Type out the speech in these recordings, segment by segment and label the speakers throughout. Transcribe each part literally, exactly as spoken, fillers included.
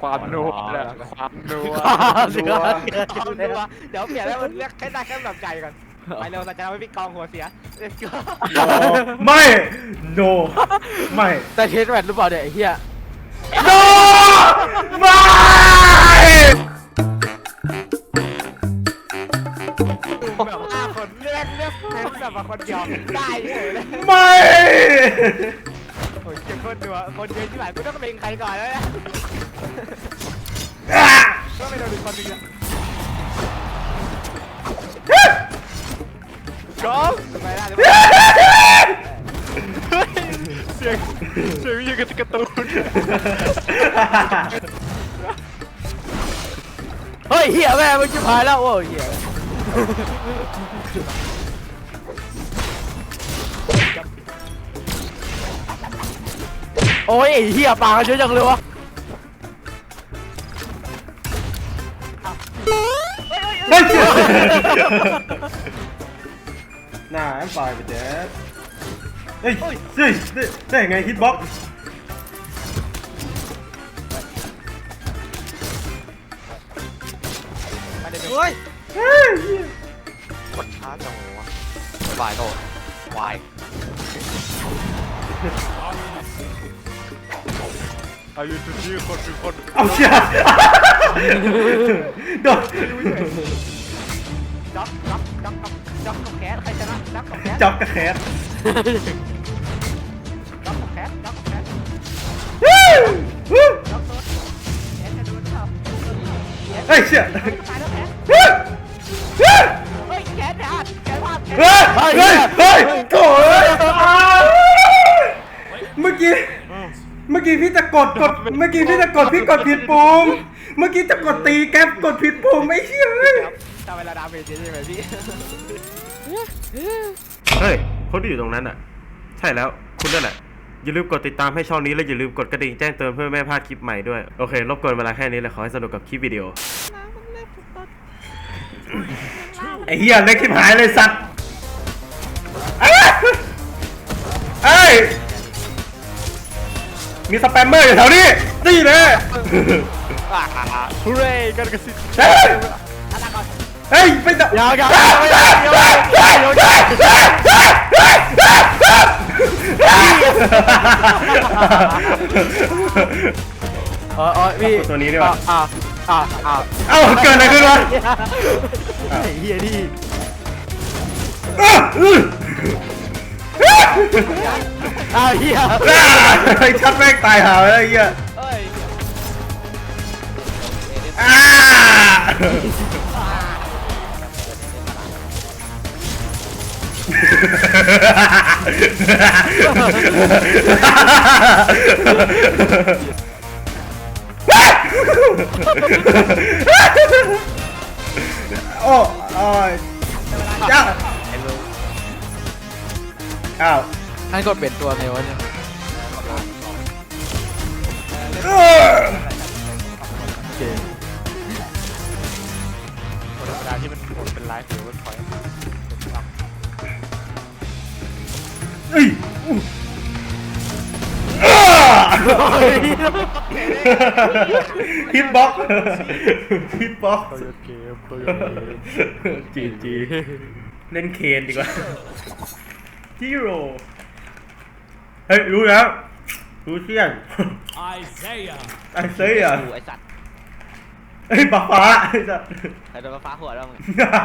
Speaker 1: ความนัวความนัว
Speaker 2: เสือ
Speaker 3: เอาดูวะเดี๋ยวเปลี่ยนแล้วมันเรียกแค่ได้แค่แบบไก่ก่อนไปเร็วเราจะทำให้พี่กองหัวเสีย let's go
Speaker 4: ไม่ no ไม่
Speaker 2: แต่เทสแมทหรือเปล่าเนี่ยไอ้เหี้ย
Speaker 4: no ไม่
Speaker 3: แบบห้าคนเลือกเลือกเลือกแบบว่าคนเดียวได้เลย
Speaker 4: ไม่
Speaker 3: โอ้ยเจ็บคนดูวะคนเยอะที่ไหนกูต้องเป็นใครก่อนแล้วนะก็ไม่โดนอีกคนนึงอ่ะก็ไปได้เลย
Speaker 1: เสียงเสียงยังกระตูน
Speaker 2: เฮ้ยเหี้ยแม่มันชิบหายแล้วโอ้ยเหี้ยโอ้ยไอ้เหี้ยปากกันเยอะจังเลยวะ
Speaker 4: ไม่เชื่อน่าแอมไฟไปเจ๊เฮ้ยเฮ้ยได้ไงฮิตบ็อก
Speaker 3: มาเดี๋ยว
Speaker 2: เฮ้ย
Speaker 1: กดช้าจังวะวายโตวายอายุทุกที่คนคือคน
Speaker 4: เอาเชี่ยโดน
Speaker 3: จ๊อกจ๊อกจ๊อกจ๊อกกับแคสใครชนะจ๊อกกับแคส
Speaker 4: จับกระแคส
Speaker 3: จ๊อกกับแคสจ๊อกกับแคส
Speaker 4: วู้วู้
Speaker 3: จ๊อกโดนแคสจะโดนเปล่า
Speaker 4: เฮ้ยเชี่ย
Speaker 3: ตายแล้วแคส
Speaker 4: วู้วู้
Speaker 3: เฮ้ยแคสพลาดแคสพลาด
Speaker 4: เฮ้ยเฮ้ยเฮ้ยโถ่เมื่อกี้เมื่อกี้พี่จะกดกดเมื่อกี้พี่จะกดพี่กดผิดปุ่มเมื่อกี้จะกดตีแก๊ปกดผิดปุ่มไอ้เชี่ย
Speaker 3: ทำเวลาดาเมจใช่ไหมพี่
Speaker 4: เฮ้ยคนที่อยู่ตรงนั้นอ่ะใช่แล้วคุณนั่นแหละอย่าลืมกดติดตามให้ช่องนี้และอย่าลืมกดกระดิ่งแจ้งเตือนเพื่อไม่ให้พลาดคลิปใหม่ด้วยโอเครบกวนเวลาแค่นี้เลยขอให้สนุกกับคลิปวิดีโอไอ้เหี้ยเล็กที่หายเลยสัตว์เอ้ยมีสแปมเมอร์อยู่แถวนี้นี่เลย
Speaker 1: ฮูเร่กันกระสิบ
Speaker 4: เฮ้ยเฮ้ยไปต่อย
Speaker 2: าวยาว เออเออพี่
Speaker 4: ตัวนี้ดีกว่า
Speaker 2: อ่าอ่าอ่า
Speaker 4: เอ้าเกิดอะไรขึ้นวะ
Speaker 2: ไอ้เหี้ยนี่ อ้าวเหี้ย
Speaker 4: ไอ้ชัดแม่งตายหาเลยไอ้เหี้ย
Speaker 3: เอ้ย
Speaker 4: อ่าโอ้โอ้ยจ้าอ้าว
Speaker 2: นั่นก็เป็นตัวไงวะเนี่ย
Speaker 4: เออ
Speaker 2: โอเค
Speaker 1: คนธรรมดาที่มันเป็นไลฟ์หรือว่าถอย
Speaker 4: เฮ้ยอู้ฮิตบ็อกฮิตบ็อก
Speaker 1: ตัวเกมตัวเกม
Speaker 4: จีจีเล่นเคนดีกว่าจิโร่เฮ้ยรู้แล้วรู้เชี่ยนไอเซียไอเซีย
Speaker 3: ไอสัตว์
Speaker 4: เฮ้ยปะฟ้าไอ้สัส
Speaker 3: ใครโดนฟ้าหัวแล้วมึง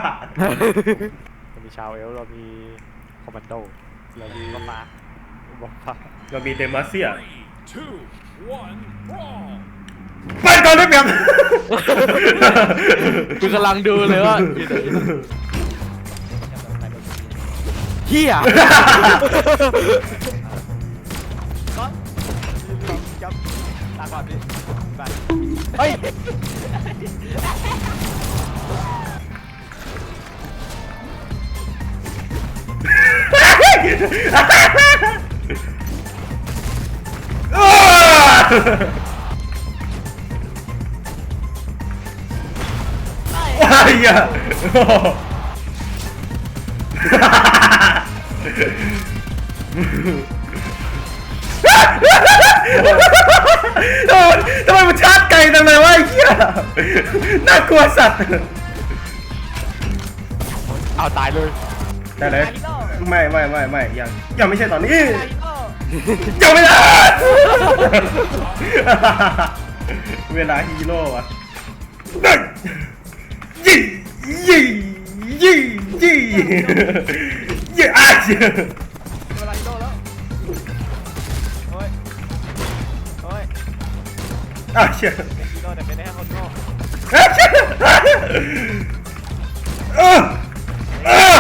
Speaker 1: เรามีชาวเอลเรามีคอมมานโดเรามี
Speaker 3: ก็มา
Speaker 1: บอกฟ้า
Speaker 4: เรามีเดมาเซีย
Speaker 5: two, one, brawl!
Speaker 4: ไปก่อนได้เปรียบ
Speaker 2: กูกำลังดูเลยว่าเหี้ย
Speaker 3: ก็จับตาก่อนดิไป
Speaker 2: เฮ้ย
Speaker 4: ไอ้เหี้ยโอ้ยทำไมมันชาร์จไกลจังเลยน่ากลัวสัตว์
Speaker 1: เอาตายเลย
Speaker 4: ได้เลย
Speaker 3: ฮีโร่
Speaker 4: ไม่ไม่ไม่ไม่ยังยังไม่ใช่ตอนนี้
Speaker 3: ฮีโร่
Speaker 4: ยังไม่ได้ เวลาฮีโร่อะยี่ยี่ยี่ยี่ยี่อ่ะ
Speaker 3: เวลาฮีโร่แล้วโอ้ยโอ้ย
Speaker 4: อ่ะเชื่อ
Speaker 3: ฮีโร่แต่เป็นได้แค่คนโง่
Speaker 4: อ่ะเชื่อเออเออ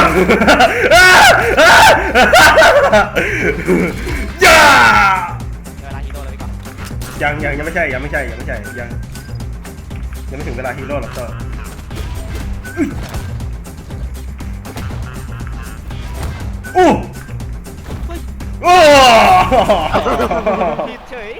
Speaker 4: อย่า
Speaker 3: เวลาฮีโร่เลยพี่กอง
Speaker 4: ยังยังยังไม่ใช่ยังไม่ใช่ยังไม่ใช่ยังยังไม่ถึงเวลาฮีโร่หรอกก็อู้โอ้
Speaker 3: ผิดเฉย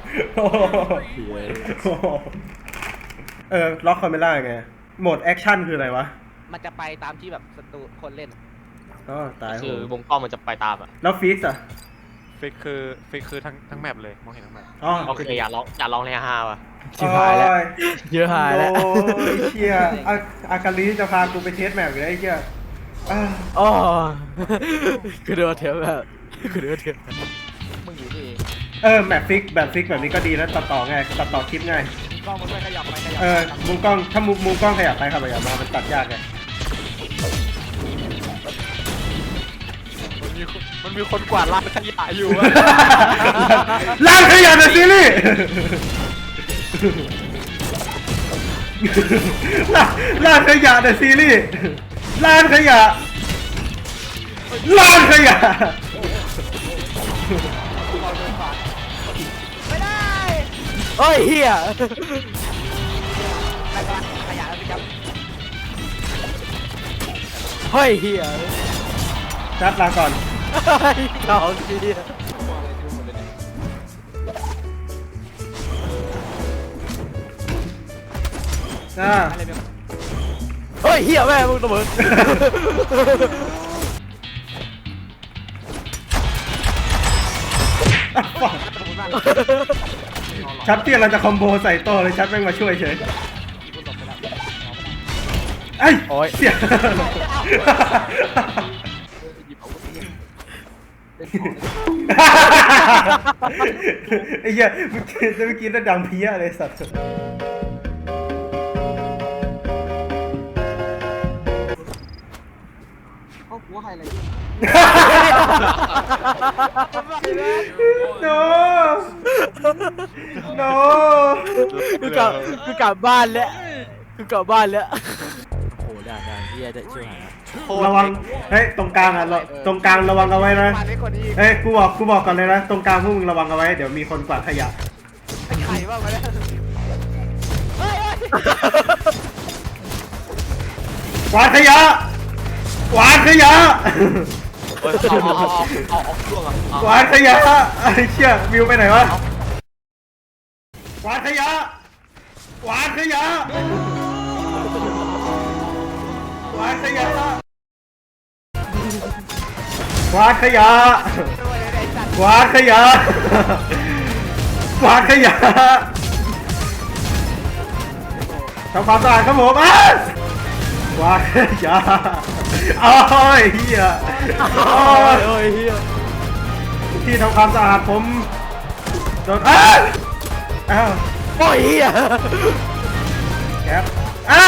Speaker 4: เออล็อกคาเมล่าไงโหมดแอคชั่นคืออะไรวะ
Speaker 3: มันจะไปตามที่แบบศัตรูคนเล่น
Speaker 4: อ๋อตายโห
Speaker 6: คือวงกล้องมันจะไปตามอ่ะ
Speaker 4: แล้วฟิกซ์อะ
Speaker 1: ฟิกคือฟิกคือทั้งทั้งแมปเลย มองเห็นทั้งแมป
Speaker 4: อ๋อ
Speaker 6: โอเคอย่าร้องอย่าร้องในฮาว่ะ
Speaker 2: ชิบหายแล้ว เยอะหายแล้ว
Speaker 4: โอ้ยเชี่ยอาอากาลีจะพากูไปเทสแมปอยู่แล้วไอ้เชี่ยอ่า
Speaker 2: อ๋อคือเดือดเทียบแบบคือเดือดเทียบ
Speaker 3: มึงอยู่ที่
Speaker 4: เออแมปฟิกแบบฟิกแบบนี้ก็ดีนะตัดต่อง่ายตัดต่อคลิปง่าย
Speaker 3: กล้องมันไม่ขยับไปขยับ
Speaker 4: เออมุมกล้องถ้ามุมมุมกล้องขยับไปครับขยับมามันตัดยากไง
Speaker 1: มันมีคนมันมีคนกวาดลานขยะอยู่อะ
Speaker 4: ล้างขยะในซีรีส์ล้างล้างขยะในซีรีส์ล้างขยะล้างขยะ
Speaker 3: ไม่ได้
Speaker 2: เฮ้ยเฮีย
Speaker 3: ขยับขยับแล้วพี่ครับ
Speaker 2: เฮ้ยเฮีย
Speaker 4: จัดลาก่อน
Speaker 2: เฮ้ยเขาเฮีย
Speaker 4: อ่า
Speaker 3: อะไรเนี่ย
Speaker 2: เฮ้ยเฮียแม่มึงระเบิด
Speaker 4: ชัดเตี้ยเราจะคอมโบใส่โต้เลยชัดแม่งมาช่วยเฉยไอ้ย
Speaker 2: โอ้ย
Speaker 4: เสียไอ้เหี้ยเมื่อกี้เมื่อกี้น่าดังเพี้ยเลยสัตว์ โน โน
Speaker 2: คือกลับคือกลับบ้านแล้วคือกลับบ้านแล้วโอ้โหด่าด่าเฮียจะช่วยหาย
Speaker 4: ระวัง เฮ้ย ตรงกลางอ่ะเราตรงกลางระวังเอาไว้นะ
Speaker 3: มาเล็กกว่านี้อีก
Speaker 4: เฮ้ย กูบอก กูบอกก่อนเลยนะ ตรงกลางพวกมึงระวังเอาไว้ เดี๋ยวมีคนกวาดขยะ
Speaker 3: ไอ้ไข่บ้างมาแล้วเฮ้ย
Speaker 4: กวาดขยะ กวาดขยะ
Speaker 6: เฮ้ยเอาเอาเอาเอาเอาช่วงอ่ะเอา
Speaker 4: กวาดขยะไอ้เชี่ยวิวไปไหนวะ กวาดขยะ กวาดขยะ กวาดขยะ กวาดขยะ
Speaker 3: ด้วยเลยไอ้สัตว์
Speaker 4: กวาดขยะ กวาดขยะทำความสะอาดครับผมอ่ะกวาดขยะโอ้ยเฮียโอ้ย
Speaker 2: โอ้ยเฮีย
Speaker 4: ที่ทำความสะอาดผมโดนอ้าวอ้าว
Speaker 2: โอ้ยเฮีย
Speaker 4: แก๊ปอ่ะ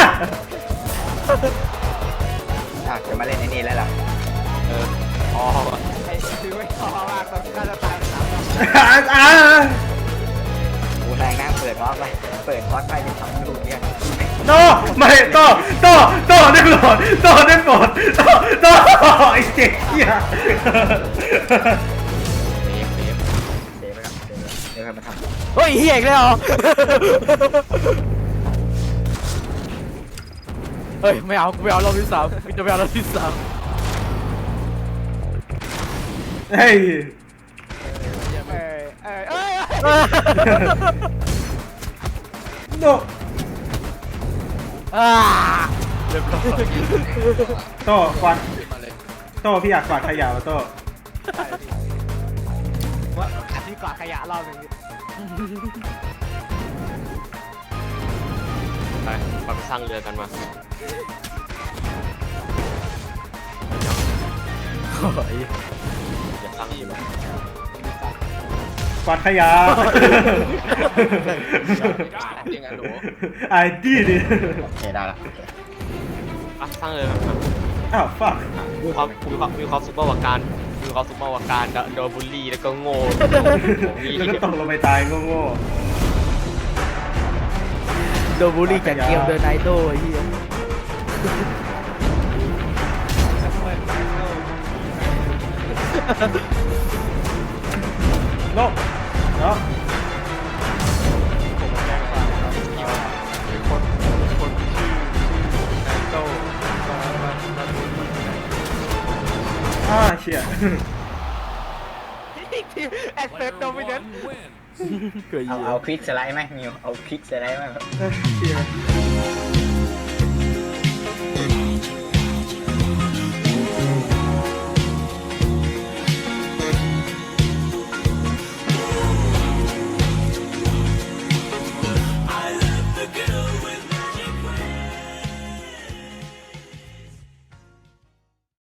Speaker 7: อ่ะจะมาเล่นไอ้นี่แล้วล่ะ
Speaker 6: อ๋อ
Speaker 3: ไอ้คือไม่พอมากตอนการจะตายสามรอบ
Speaker 4: อ่ะ
Speaker 7: กูแรงนั่งเปิดมอสไปเปิดมอสไปเป็นสองลูกเนี่ย
Speaker 4: โตไม่โตโตโตได้โปรดโตได้โปรดโตโตไอ้เจ๊เหี้ย
Speaker 7: เดฟเดฟเดฟไปครับเดฟเดฟมาทำ
Speaker 2: เฮ้ยเฮียอีกแล้วเหรอเฮ้ยไม่เอากูไม่เอารอบที่สามกูจะไม่เอารอบที่สาม
Speaker 4: เฮ้ย
Speaker 3: เอ้ยเอ้ยเอ้ย
Speaker 4: โน
Speaker 2: อ่าเรียบร้อย
Speaker 4: โตกวาดโตพี่อยากกวาดขยะมาโต
Speaker 3: ว่าอันนี้กวาดขยะรอบหนึง
Speaker 4: อ
Speaker 6: ไปไปสร้างเรือกันมา
Speaker 2: โอ้ย
Speaker 6: อย่าสร้างเรือ
Speaker 4: กวาดขยะ
Speaker 6: ยังไงหนู
Speaker 4: ไอ้ดีดิ
Speaker 7: โอเคได้ละ
Speaker 6: อ่ะสร้างเรือกันมา
Speaker 4: อ้าวฟัก
Speaker 6: มีความมีความมีความซุปเปอร์วาการมีความซุปเปอร์วาการโดนบูลลี่แล้วก็โง่ของนี่
Speaker 4: แล้วก็ตกลงไปตายโง่
Speaker 2: โดนบูลลี่จากเกมเดอะไนโต้ไอ้เหี้ย
Speaker 4: ๆโง่เนาะ
Speaker 1: ผมแจ้งความครับมีคนคนชื่อไนโต้มามามาดู
Speaker 4: อ่าเชี่ย
Speaker 3: ทีมแอสเซท
Speaker 5: Player
Speaker 3: โดมิเนน
Speaker 5: one wins.
Speaker 2: เกิด
Speaker 7: เอา
Speaker 2: เหี้ย
Speaker 7: เอาคลิกสไลด์ไหมมิวเอาคลิกสไลด์ไหม
Speaker 4: เชี่ย